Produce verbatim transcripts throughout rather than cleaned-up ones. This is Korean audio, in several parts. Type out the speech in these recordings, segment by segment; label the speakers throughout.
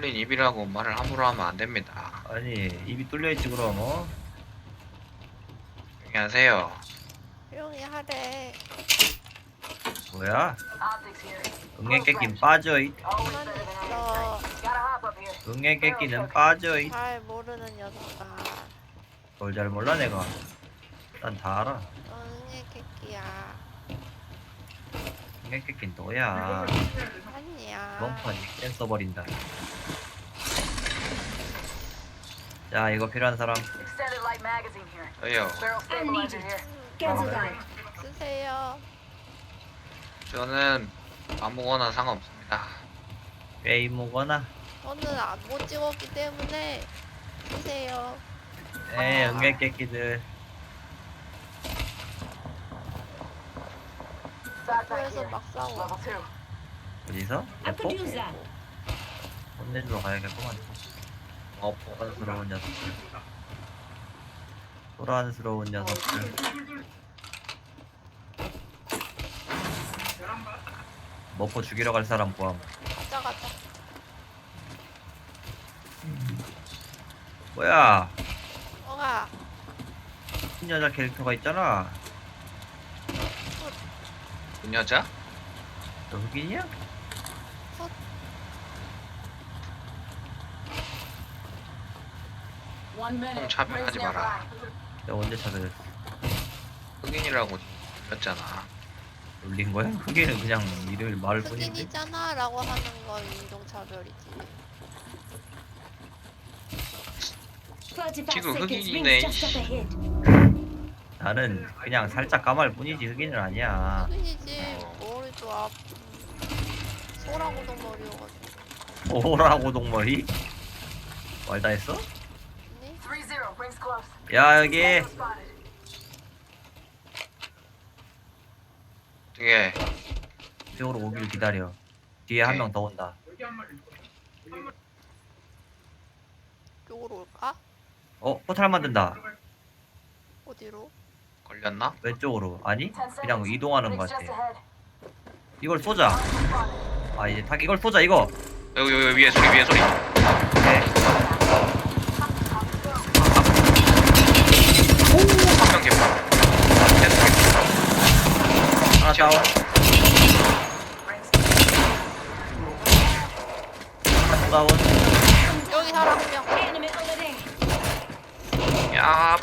Speaker 1: 뚫린 입이라고 말을 함부로 하면 안 됩니다.
Speaker 2: 아니 입이 뚫려있지 그럼 어?
Speaker 1: 조용히 하세요.
Speaker 3: 조용히 하래.
Speaker 2: 뭐야? 응애 깨끼는 빠져잇.
Speaker 3: 가만히 있어.
Speaker 2: 응애 깨끼는 빠져잇.
Speaker 3: 잘 모르는 녀석아.
Speaker 2: 뭘 잘 몰라 내가. 난 다 알아.
Speaker 3: 응애 개끼야.
Speaker 2: 응애 깨끼는 너야.
Speaker 3: 아니야.
Speaker 2: 멍판 센 써버린다. 자 이거 필요한 사람.
Speaker 1: 저요.
Speaker 3: 쓰세요.
Speaker 1: 저는 아무거나 상관없습니다.
Speaker 2: 게임오거나.
Speaker 3: 저는 안 못 찍었기 때문에 쓰세요.
Speaker 2: 에 응애 깨끼들.
Speaker 3: 그래서 막 싸워.
Speaker 2: 어디서?
Speaker 4: I could use that.
Speaker 2: 혼내주러 가야겠구만.
Speaker 1: 어,
Speaker 2: 소란스러운 녀석들. 소란스러운 녀석들. 머퍼 죽이러 갈 사람 구함.
Speaker 3: 가자 가자.
Speaker 2: 뭐야?
Speaker 3: 뭐가?
Speaker 2: 흰 여자 캐릭터가 있잖아.
Speaker 1: 그 여자?
Speaker 2: 너 흑인이야?
Speaker 4: One minute.
Speaker 1: 형 차별하지 마라.
Speaker 2: 내가 언제 차별했어?
Speaker 1: 흑인이라고 불렸잖아.
Speaker 2: 놀린 거야? 흑인은 그냥 이름을 말을 뿐인데.
Speaker 3: 흑인이잖아 라고 하는 건 인종차별이지.
Speaker 4: thirty-five
Speaker 1: 지금
Speaker 4: seconds.
Speaker 1: 흑인이네,
Speaker 4: Rings just up
Speaker 1: 이씨.
Speaker 4: ahead.
Speaker 2: 나는 그냥 살짝 까말 뿐이지 흑인은 아니야.
Speaker 3: 흑인이지.
Speaker 1: 어.
Speaker 3: 머리도 앞 소라고도 머리여가지고.
Speaker 2: 오라고 동머리? 말다 했어?
Speaker 3: 네?
Speaker 2: 야 여기
Speaker 1: 되게
Speaker 2: 이쪽으로 오길 기다려. 뒤에 한 명 더 온다.
Speaker 3: 이쪽으로 올까?
Speaker 2: 어? 포탈 만든다.
Speaker 3: 어디로?
Speaker 1: 걸렸나?
Speaker 2: 왼쪽으로. 아니? 그냥 이동하는 것 같아. 이걸 쏘자. 아 이제 탁 이걸 쏘자 이거.
Speaker 1: 여기 여기 위에 소리 위에 소리.
Speaker 2: 네.
Speaker 1: 한명 개파.
Speaker 2: 하나 다운. 하나 또 다운.
Speaker 3: 여기 사람 한 명.
Speaker 4: Enemy over there.
Speaker 1: 야,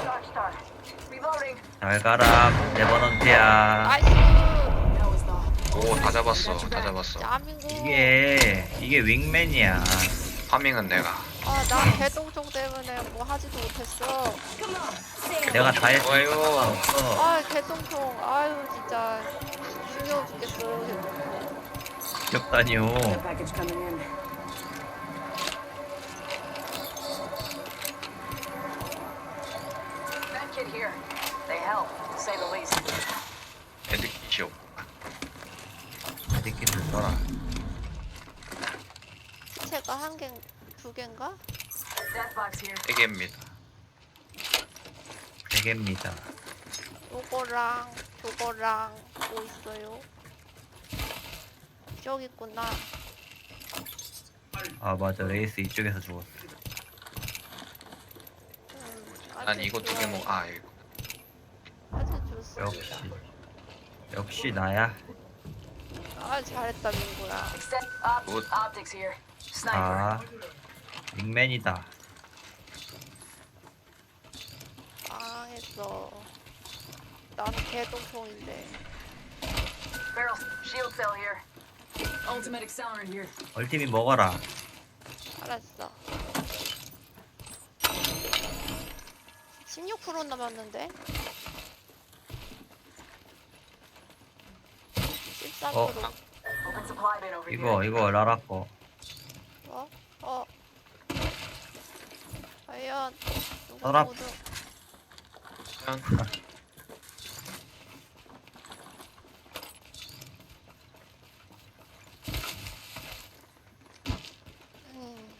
Speaker 2: 잘 가라. 네버넌트야.
Speaker 3: 나이스.
Speaker 1: 오, 다 잡았어, 다 잡았어.
Speaker 3: 대한민국.
Speaker 2: 이게 이게 윙맨이야.
Speaker 1: 파밍은 내가.
Speaker 3: 아, 나 개똥총 때문에 뭐 하지도 못했어.
Speaker 4: Come on. Say it.
Speaker 2: 내가 다 했어.
Speaker 1: 좋아요.
Speaker 2: 어.
Speaker 3: 아, 개똥총. 아유, 진짜. 중요해 죽겠어.
Speaker 2: 귀엽다니요.
Speaker 4: Package coming in.
Speaker 1: 애드키쇼.
Speaker 2: 새끼들 써라.
Speaker 3: 시체가 한 개, 두 개인가?
Speaker 1: 세 개입니다.
Speaker 2: 세 개입니다.
Speaker 3: 요거랑, 요거랑, 뭐 있어요? 저기 있구나.
Speaker 2: 아 맞아 레이스 이쪽에서 죽었어.
Speaker 3: 음,
Speaker 1: 난
Speaker 3: 아주
Speaker 1: 이거 두 개
Speaker 3: 좋아요.
Speaker 1: 먹. 아, 이거.
Speaker 3: 아주 좋습니다.
Speaker 2: 역시 역시 나야.
Speaker 3: 아, 잘했다, 민구야.
Speaker 1: 굿.
Speaker 2: 아 윙맨이다.
Speaker 3: 망했어. 난 개똥총인데.
Speaker 4: Ultimate accelerant here.
Speaker 2: 얼티밋 먹어라.
Speaker 3: 알았어. 십육 퍼센트 남았는데? 십삼 퍼센트.
Speaker 2: 어. 이거 이거 라라 거.
Speaker 3: 어? 어? 과연 누구
Speaker 2: 서랍.
Speaker 3: 누구
Speaker 1: 그냥
Speaker 3: 음.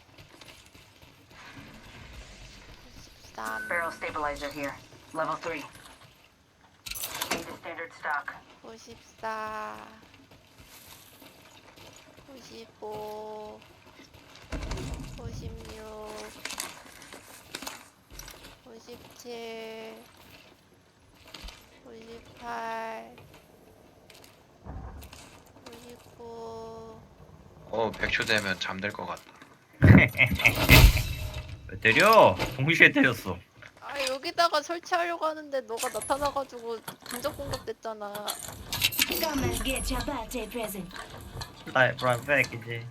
Speaker 3: 십삼,
Speaker 5: Barrel stabilizer here. Level three. Need a standard stock.
Speaker 3: 구십사, 구십오, 오십육, 오십칠, 오십팔, 오십구.
Speaker 1: 어 백 초 되면 잠들 것 같다.
Speaker 2: 왜 때려? 동시에 때렸어.
Speaker 3: 아 여기다가 설치하려고 하는데 너가 나타나가지고 근접 공격됐잖아.
Speaker 4: Come and get your birthday present.
Speaker 2: 나의 브라운 백이지.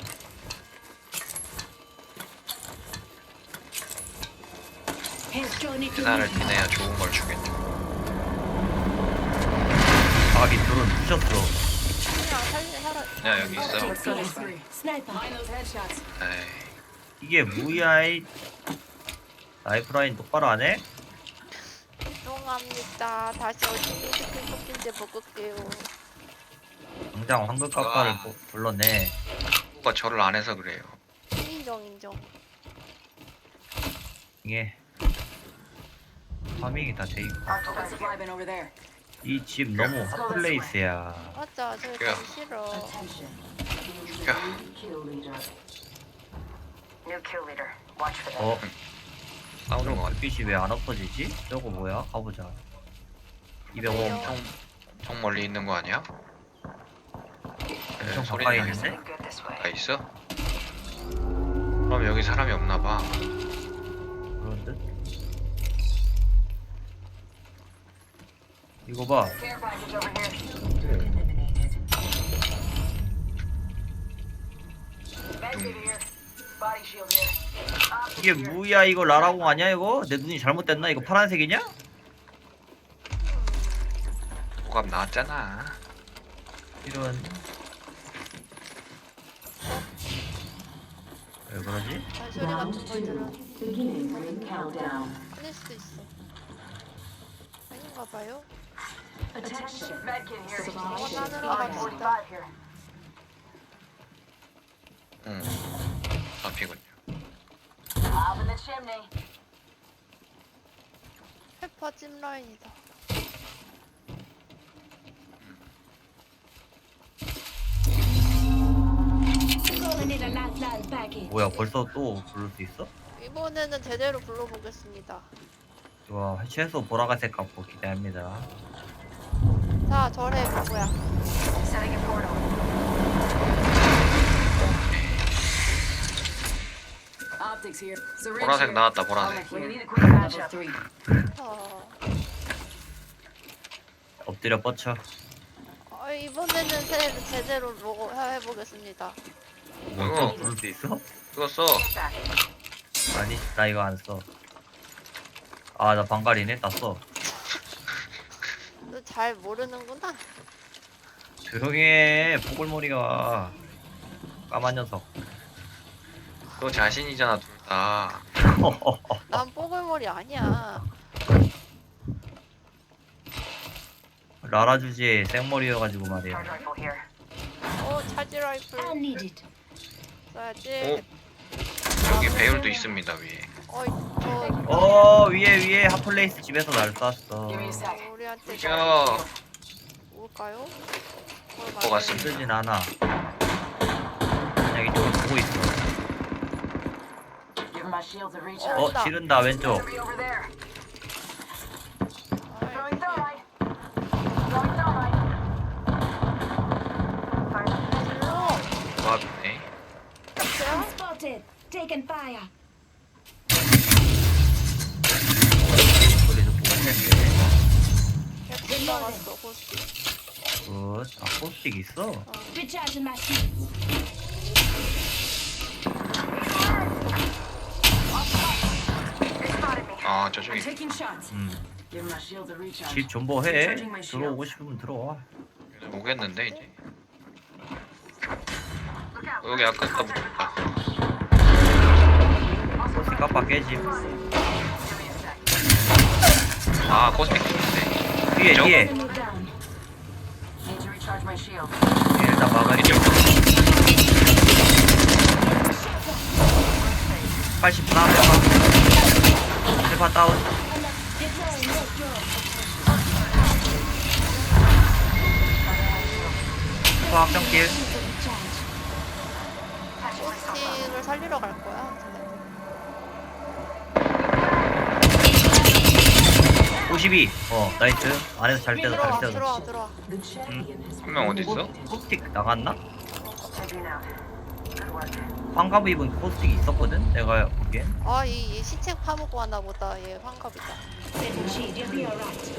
Speaker 4: Here's Johnny to
Speaker 1: 계산을
Speaker 4: meet you.
Speaker 1: 티내야 좋은 걸 주겠지.
Speaker 2: 아기 둘은 부셨어.
Speaker 3: 그냥 살리 살아.
Speaker 1: 야 여기 있어.
Speaker 4: Let's go this way. Sniper. Mind those headshots.
Speaker 1: 에이.
Speaker 2: 이게 뭐야 이 라이프라인 똑바로 안 해?
Speaker 3: 죄송합니다. 다시 어떻게 스킬 뽑힌지 먹을게요.
Speaker 2: 당장 황금 깎아를
Speaker 1: 와.
Speaker 2: 부- 불러내.
Speaker 1: 누가 저를 안 해서 그래요.
Speaker 3: 인정 인정.
Speaker 2: 이게 파밍이 다 돼 있고.
Speaker 4: Open supply bin over there.
Speaker 2: 이 집 너무 핫플레이스야.
Speaker 3: 맞아, 저기
Speaker 1: 야.
Speaker 3: 가기 싫어.
Speaker 5: Attention.
Speaker 1: 야.
Speaker 5: Kill leader. New kill leader. Watch for them.
Speaker 2: 어?
Speaker 1: 싸우는 것 같아.
Speaker 2: 불빛이 왜 안 엎어지지? 저거 뭐야? 가보자. 이백오
Speaker 3: 왜요?
Speaker 2: 엄청
Speaker 1: 엄청 멀리 있는 거 아니야?
Speaker 2: 엄청
Speaker 1: 소리
Speaker 2: 가까이
Speaker 1: 나네.
Speaker 2: 있는데?
Speaker 5: Good this way.
Speaker 1: 다 있어? 그럼 여기 사람이 없나 봐.
Speaker 2: 그런 듯? 이거 봐.
Speaker 5: Care package over here. Medkit here. Body shield here. Optics
Speaker 2: 이게
Speaker 5: here.
Speaker 2: 뭐야 이거 라라공 아니야 이거? 내 눈이 잘못됐나? 이거 파란색이냐?
Speaker 1: 호감 나왔잖아.
Speaker 2: 이런 왜 그러지?
Speaker 3: 발소리 같은 걸 들어.
Speaker 5: Beginning ring countdown.
Speaker 3: 끊을 수도 있어. 아닌가 봐요.
Speaker 5: Attention. Medkit here.
Speaker 3: 원하는
Speaker 5: R
Speaker 3: 갑시다.
Speaker 5: forty-five here.
Speaker 1: 응. 잡히군요.
Speaker 5: Up in the chimney.
Speaker 3: 페퍼 찜라인이다.
Speaker 4: Gonna need a lifeline package.
Speaker 2: 뭐야 벌써 또 부를 수 있어?
Speaker 3: 이번에는 제대로 불러보겠습니다.
Speaker 2: 와 최소 보라색 갖고 기대합니다.
Speaker 3: 자, 절해 누구야?
Speaker 5: Setting a portal.
Speaker 4: Optics here. Syringe
Speaker 1: 보라색
Speaker 4: here.
Speaker 1: 나왔다 보라색.
Speaker 5: We need a quick matchup.
Speaker 4: three.
Speaker 3: 어,
Speaker 2: 엎드려 뻗쳐.
Speaker 3: 어, 이번에는 제, 제대로 뭐 해보겠습니다.
Speaker 2: 뭐또
Speaker 1: 어.
Speaker 2: 부를 수 있어?
Speaker 1: 그거 써.
Speaker 2: 아니 나 이거 안 써. 아 나 방갈이네 다 써.
Speaker 3: 너 잘 모르는구나.
Speaker 2: 조용히 해 보글머리가 까만 녀석.
Speaker 1: 그거 자신이잖아 둘 다.
Speaker 3: 난 뽀글머리 아니야.
Speaker 2: 라라 주제에 생머리여가지고 말이야.
Speaker 5: Charge rifle here.
Speaker 3: 어, 차지 라이플
Speaker 4: I need it.
Speaker 3: 써야지.
Speaker 1: 여기 배율도 있습니다 위에.
Speaker 3: 어이, 저
Speaker 2: 어 위에 위에 핫플레이스 집에서 날 쐈어.
Speaker 5: Give me a sec.
Speaker 3: 우리한테
Speaker 1: 야.
Speaker 3: 올까요?
Speaker 1: 것 같습니다.
Speaker 2: 쓰진 않아. 그냥 이쪽을 보고 있어.
Speaker 5: Give my shields a recharge.
Speaker 2: 어
Speaker 3: 온다.
Speaker 2: 지른다 왼쪽.
Speaker 5: Enemy over there.
Speaker 3: 아이,
Speaker 5: Throwing thermite. Throwing thermite. Fire.
Speaker 3: 질러.
Speaker 1: 조합이네.
Speaker 3: 탑재야?
Speaker 4: Spotted. Taking fire.
Speaker 2: 소리도 보고 했는데.
Speaker 3: 캡슐 나갔어, 고스트.
Speaker 2: 굿. 아 포스틱 있어?
Speaker 4: Recharging my shields.
Speaker 5: They spotted me.
Speaker 1: 아 저쪽에
Speaker 5: Taking shots.
Speaker 2: 음.
Speaker 5: Give my shields a recharge.
Speaker 2: 집 존버해. 들어오고 싶으면 들어와.
Speaker 1: 오겠는데 이제. 어, 여기 아까 다 묻었다.
Speaker 2: 포스틱 깜빡 깨지.
Speaker 5: Give me a sec.
Speaker 1: 아 코스믹 있는데.
Speaker 2: 뒤에
Speaker 1: 저?
Speaker 2: 뒤에.
Speaker 4: Move down.
Speaker 5: Need to recharge my shield.
Speaker 2: 일단 막아줘. 팔십 나 세파 다운.
Speaker 4: Deploying withdraw.
Speaker 2: 세파 확정길.
Speaker 4: Recharge.
Speaker 3: 포스팅을 살리러 갈 거야.
Speaker 2: 오십이. 어 나이스. 안에서 잘 때도
Speaker 3: 들어와,
Speaker 2: 잘 때도.
Speaker 3: 들어와, 들어와.
Speaker 1: 한 명 어디 있어?
Speaker 2: 포스틱 나갔나?
Speaker 5: Heading out. Good work.
Speaker 2: 환갑 입은 포스틱이 있었거든. 내가 보기엔.
Speaker 3: 아, 이, 이 시체 파먹고 왔나 보다. 얘 환갑이다.
Speaker 4: Setting shield, you'll be alright.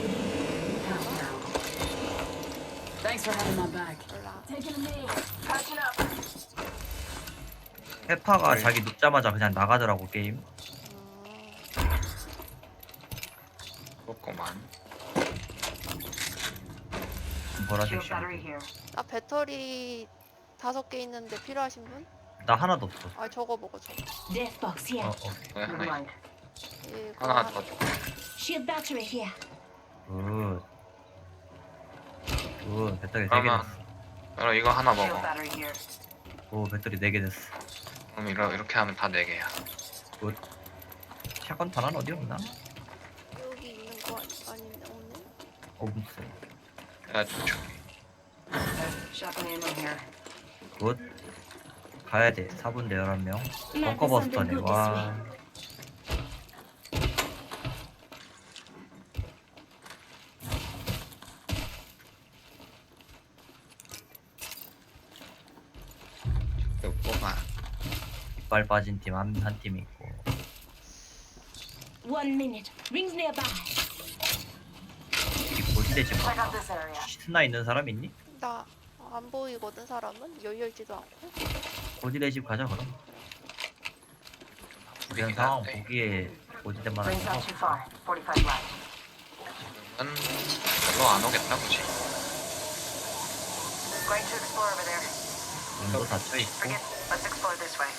Speaker 5: Thanks for having my back.
Speaker 3: 몰라.
Speaker 4: Taking a knee.
Speaker 5: Patching up.
Speaker 2: 페파가
Speaker 1: 네.
Speaker 2: 자기 눕자마자 그냥 나가더라고 게임.
Speaker 3: 음,
Speaker 1: 그렇구만.
Speaker 2: 보라색
Speaker 5: Shield
Speaker 2: 시
Speaker 5: battery here.
Speaker 3: 나 배터리 다섯 개 있는데 필요하신 분?
Speaker 2: 나 하나도 없어.
Speaker 3: 아, 저거 먹어, 저거.
Speaker 4: Death box
Speaker 2: 어,
Speaker 4: here.
Speaker 2: 어.
Speaker 1: 왜
Speaker 5: Never
Speaker 1: 하나 있-
Speaker 5: mind.
Speaker 3: 이거
Speaker 1: 하나
Speaker 3: 하나.
Speaker 1: 더 줘.
Speaker 4: Shield battery here.
Speaker 2: 굿. 굿. 배터리 네 개
Speaker 1: 그러면
Speaker 2: 됐어.
Speaker 1: 그럼 이거 하나
Speaker 5: Shield
Speaker 1: 먹어.
Speaker 5: battery here.
Speaker 2: 오 배터리 네 개 됐어.
Speaker 1: 그럼 이러, 이렇게 하면 다 네 개야.
Speaker 2: 굿. 샷건 탄환 어디 없나?
Speaker 3: 여기 있는 거 아니, 아닌데, 없네?
Speaker 2: 없어.
Speaker 1: 내가 좀 줄게.
Speaker 5: Shotgun ammo here.
Speaker 2: 굿. 가야 돼. 사 분 대 열한 명. 벙커버스터네. 와.
Speaker 1: 이거 뽑아.
Speaker 2: 이빨 빠진 팀 한 한 팀 있고.
Speaker 4: One minute. Rings nearby.
Speaker 2: 이 고지대 집
Speaker 5: Check out this area.
Speaker 2: 스나 있는 사람 있니?
Speaker 3: 나 안 보이거든, 사람은? 열려있지도 않고.
Speaker 2: 고지대 집 가자 그럼. 이런 상황 보기에 고지대만
Speaker 5: Rings
Speaker 2: 하고.
Speaker 5: not too far. forty-five left.
Speaker 1: 지금은 별로 안 오겠다, 그치?
Speaker 5: Going to explore over there.
Speaker 2: 문도 닫혀 있고.
Speaker 5: Forget. Let's explore this way.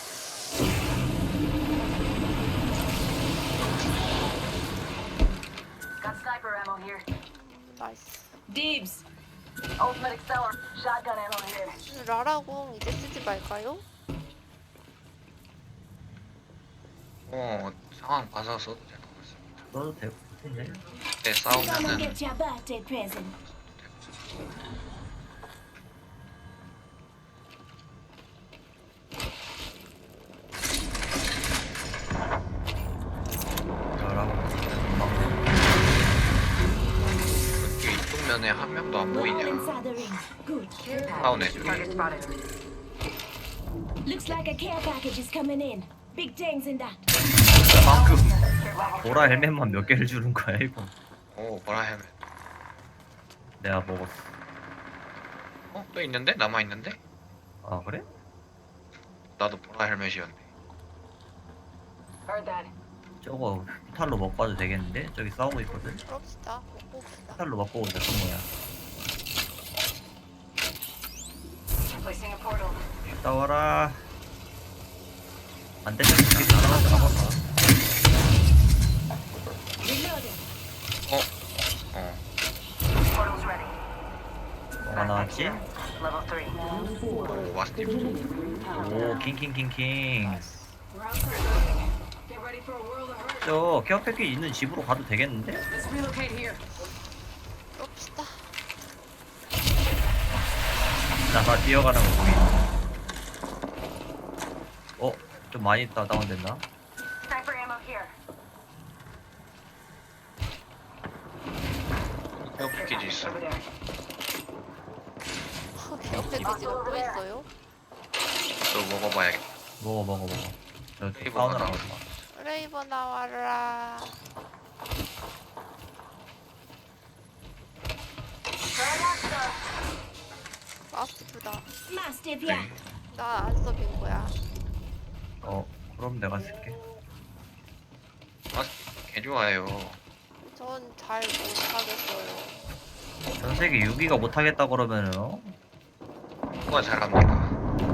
Speaker 5: Got sniper ammo here.
Speaker 3: 나이스.
Speaker 4: Dibs.
Speaker 5: Ultimate acceler. Shotgun ammo here.
Speaker 3: 라라공 이제 쓰지 말까요?
Speaker 1: 어, 상황 봐서 써도 될 것 같습니다.
Speaker 2: 써도 될 것 같은데.
Speaker 1: 네,
Speaker 4: Come and
Speaker 1: 싸우면은
Speaker 4: get your birthday present.
Speaker 2: 저라고 금방.
Speaker 1: 이렇게 이쪽 면에 한 명도 안
Speaker 4: We're all
Speaker 1: 보이냐?
Speaker 4: inside the ring. Good.
Speaker 1: 다운 애들이.
Speaker 5: Target spotted.
Speaker 4: Looks like a care package is coming in. Big things in that.
Speaker 2: 방금
Speaker 5: Level
Speaker 2: 보라 헬멧만 몇 개를 주는 거야 이거.
Speaker 1: 오, 보라 헬멧.
Speaker 2: 내가 먹었어.
Speaker 1: 어, 또 있는데? 남아 있는데?
Speaker 2: 아 그래?
Speaker 1: 나도 보라 헬멧이었는데.
Speaker 5: Heard that.
Speaker 2: 저거 탈로 먹고 와도 되겠는데? 저기 싸우고 있거든.
Speaker 3: 그럽시다. 먹고 봅시다.
Speaker 2: 탈로 먹고 오자 성모야.
Speaker 5: Placing a portal.
Speaker 2: 싸워라. 안 되면 이렇게 나가서 나가봐.
Speaker 4: Reloading.
Speaker 1: 어? 어.
Speaker 5: Portal's ready.
Speaker 2: 뭐가 나왔지?
Speaker 5: Level three.
Speaker 1: 오, 마스티프.
Speaker 2: 오 킹킹킹킹.
Speaker 5: We're outside building. Get ready for a world of hurt.
Speaker 2: 저 케어 패키지 있는 집으로 가도 되겠는데?
Speaker 5: Let's relocate here.
Speaker 3: 그럽시다.
Speaker 2: 나가 뛰어가는 거 보이네. 어? 좀 많이 다 다운됐나?
Speaker 5: Sniper ammo here.
Speaker 1: 케어 패키지 있어.
Speaker 5: Over there.
Speaker 3: 옆에 기지가 또 있어요?
Speaker 1: 또 먹어봐야겠다.
Speaker 2: 먹어 먹어 먹어. 저
Speaker 1: 이거
Speaker 2: 사우나라
Speaker 1: 하나.
Speaker 2: 가자.
Speaker 3: 레이버 나와라. 마스티프다.
Speaker 4: Mastiff,
Speaker 1: 네.
Speaker 4: yeah.
Speaker 3: 나 안 써빈 거야.
Speaker 2: 어 그럼 내가 쓸게.
Speaker 1: 마스티프 개 좋아해요.
Speaker 3: 전 잘 못하겠어요.
Speaker 2: 전 세계 육 위가 못하겠다 그러면은 어?
Speaker 1: 누가 잘합니까?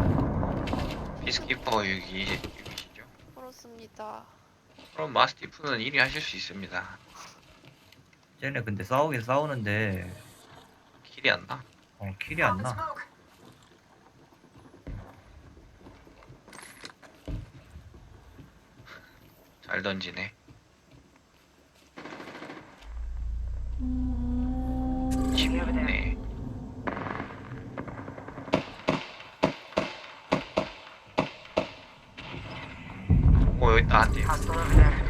Speaker 1: 피스키퍼 육 위, 육이시죠?
Speaker 3: 그렇습니다.
Speaker 1: 그럼 마스티프는 일 위 하실 수 있습니다.
Speaker 2: 쟤네 근데 싸우긴 싸우는데
Speaker 1: 킬이 안 나?
Speaker 2: 어 킬이 안 나.
Speaker 1: 잘 던지네. 쉽네. 어 여기 있다 한 팀.
Speaker 5: Hostile over there.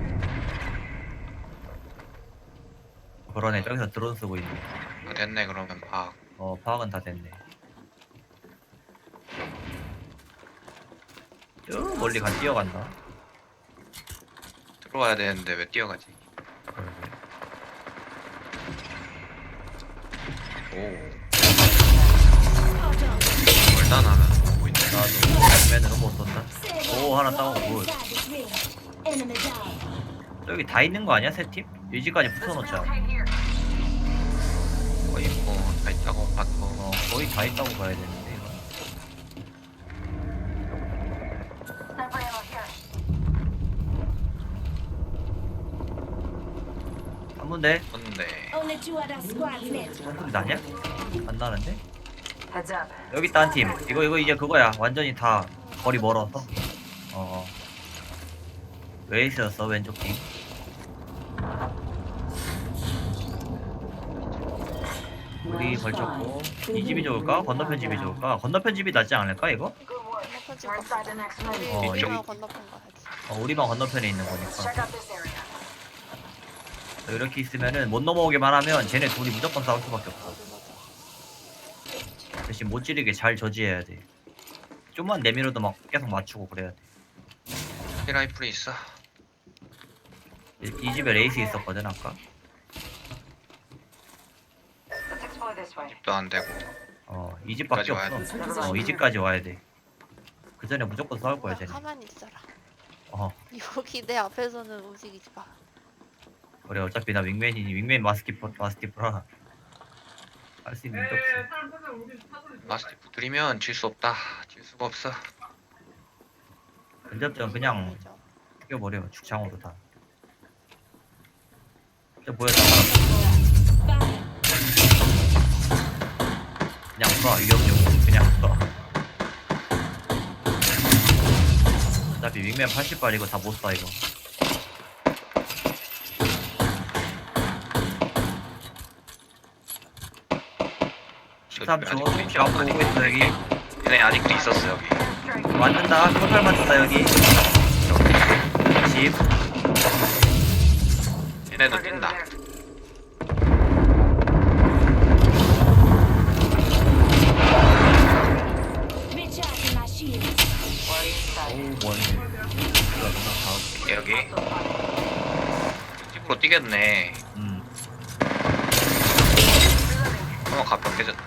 Speaker 2: 그러네. 저기서 드론 쓰고 있네.
Speaker 1: 아, 됐네 그러면 파악.
Speaker 2: 어, 파악은 다 됐네. 쭉 멀리 간 뛰어간다.
Speaker 1: 들어와야 되는데 왜 뛰어가지?
Speaker 2: 그러게.
Speaker 1: 오
Speaker 4: Spot on.
Speaker 1: 일단 하면 보고 있네.
Speaker 2: 나도 맨으로 못 쏜다.
Speaker 4: Say
Speaker 2: 오, 하나
Speaker 4: what?
Speaker 2: 따고
Speaker 4: We're all
Speaker 2: 굿.
Speaker 4: inside this ring. Enemy down.
Speaker 2: 여기 다 있는 거 아니야, 세 팀? 유지까지 붙여놓자.
Speaker 1: 거의 뭐다 있다고 봐도
Speaker 2: 어, 거의 다 있다고 봐야 되는데, 이거.
Speaker 5: Sniper ammo here.
Speaker 2: 한 군데?
Speaker 1: 없는데.
Speaker 4: Only two other squads left.
Speaker 2: 한 군데 나냐? 안 나는데?
Speaker 5: Heads up.
Speaker 2: 여기 있다, 한 팀. 이거, 이거 이제 그거야. 완전히 다 거리 멀어서. 어. 왜 있었어, 왼쪽 팀? 우리 걸쳤고. 이 집이 좋을까? 건너편 집이 좋을까? 건너편 집이 낫지 않을까, 이거?
Speaker 5: Good work.
Speaker 3: 건너편 집
Speaker 5: We're inside the next ring.
Speaker 2: 어,
Speaker 3: 우리
Speaker 2: 여기-
Speaker 3: 우리만 건너편 가야지.
Speaker 2: 어, 우리만 건너편에 있는
Speaker 5: Let's
Speaker 2: 거니까.
Speaker 5: check out this area.
Speaker 2: 이렇게 있으면은 못 넘어오기만 하면 쟤네 둘이 무조건 싸울 수밖에 없어.
Speaker 3: 맞아.
Speaker 2: 대신 못 지르게 잘 저지해야 돼. 좀만 내밀어도 막 계속 맞추고 그래야 돼.
Speaker 1: 히라이플이 있어.
Speaker 2: 이, 이 집에 레이스 있었거든 아까.
Speaker 5: Let's explore this way.
Speaker 1: 집도 안 되고.
Speaker 2: 어, 이 집밖에
Speaker 1: 와야
Speaker 2: 없어. 어, 이 집까지 와야 돼. 그 전에 무조건 싸울 거야 쟤네.
Speaker 3: 가만히 있어라.
Speaker 2: 어,
Speaker 3: 여기 내 앞에서는 움직이지 마.
Speaker 2: 그래 어차피 나 윙맨이니 윙맨 마스키퍼 마스티프라 할 수 있는 게 없어.
Speaker 1: 마스티프 들이면 질 수 없다. 질 수가 없어.
Speaker 2: 근접전 그냥
Speaker 3: 아니죠.
Speaker 2: 죽여버려 죽창으로 다. 저 보였다.
Speaker 4: Fire.
Speaker 2: 그냥 쏴 위협용 그냥 쏴. 어차피 윙맨 팔십 발 이거 다 못 쏴 이거. 십삼 초
Speaker 1: 아직도
Speaker 2: 앞으로 오고 있어 여기.
Speaker 1: 얘네 아직도 있었어 여기.
Speaker 2: 맞는다 토탈 맞는다 여기. 십.
Speaker 1: 얘네도
Speaker 5: Target
Speaker 1: 뛴다.
Speaker 5: over there.
Speaker 4: Recharging my shields.
Speaker 5: We're inside.
Speaker 2: 오 뭐니.
Speaker 1: 여기 집으로 뛰겠네.
Speaker 2: 음.
Speaker 1: 어 가평 깨졌다.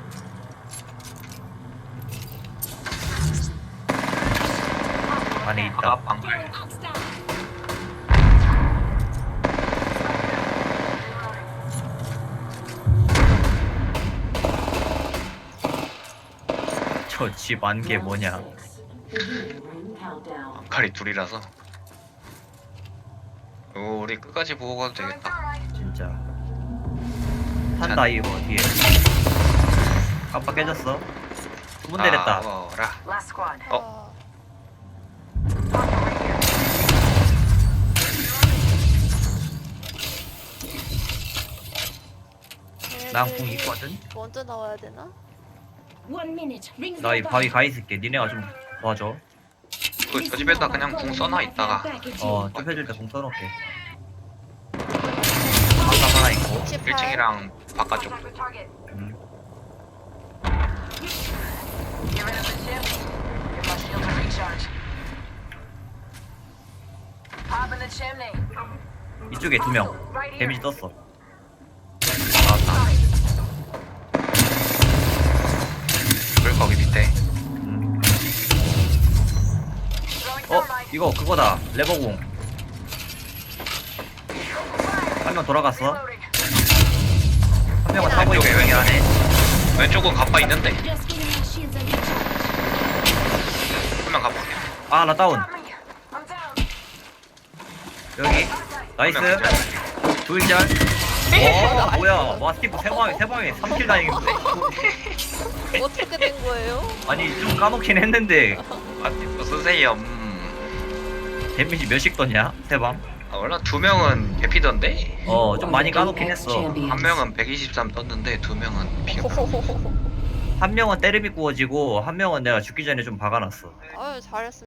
Speaker 2: 안에
Speaker 1: 아
Speaker 2: 있다.
Speaker 1: 방글.
Speaker 4: Hostile.
Speaker 2: 저 집 안 게 뭐냐.
Speaker 1: 방칼이 둘이라서. 오 우리 끝까지 보고 가도 되겠다.
Speaker 2: 진짜. 탄다 이거 뒤에. 깜빡 깨졌어. 두 분 내렸다.
Speaker 1: 나와라.
Speaker 5: Last squad.
Speaker 1: 어?
Speaker 2: 난 공 있거든.
Speaker 3: 먼저 나와야 되나?
Speaker 4: One minute. Rings
Speaker 2: 나 이
Speaker 4: nearby.
Speaker 2: 바위 가 있을게. 니네가 좀 도와줘.
Speaker 1: 그, 저 집에다 그냥 궁 써놔 있다가.
Speaker 2: 어, 좁혀줄 때 공 써놓게. 방금 하나 있고.
Speaker 3: 육십팔.
Speaker 1: 일 층이랑 바깥쪽.
Speaker 5: Contact with target.
Speaker 2: 음.
Speaker 5: Get rid of the chip. Give my shield a recharge. Pop in the chimney.
Speaker 2: 이쪽에 두 명.
Speaker 5: Right here.
Speaker 2: 데미지 떴어.
Speaker 1: 나왔다. 불 거기 밑에.
Speaker 2: 음.
Speaker 5: Throwing
Speaker 2: 어,
Speaker 5: thermite.
Speaker 2: 이거 그거다. 레버공. 한 명 돌아갔어.
Speaker 5: Reloading.
Speaker 2: 한 명은 타고 있고
Speaker 1: 왼쪽에
Speaker 2: 여기 안에.
Speaker 1: 왼쪽은 갑바 있는데.
Speaker 4: Just giving my shields a recharge.
Speaker 1: 한 명 갑바.
Speaker 2: 아, 나 다운.
Speaker 5: Stop me. I'm down.
Speaker 2: 여기. 나이스.
Speaker 1: 한 명 기절.
Speaker 2: 조이절. 와, 뭐야. 마스티프 세 방에, 세 방에 삼 킬 다행인데.
Speaker 3: 어떻게 된 거예요?
Speaker 2: 아니, 좀 까놓긴 했는데.
Speaker 1: 마스티프 쓰세요. 음.
Speaker 2: 데미지 몇씩 떴냐? 세 방?
Speaker 1: 아, 원래 두 명은 해피던데.
Speaker 2: 어, 좀 많이 까놓긴 했어.
Speaker 1: 한 명은 백이십삼 떴는데 두 명은 피가.
Speaker 2: 한 명은 때리비 구워지고, 한 명은 내가 죽기 전에 좀 박아놨어.
Speaker 3: 아유 잘했어.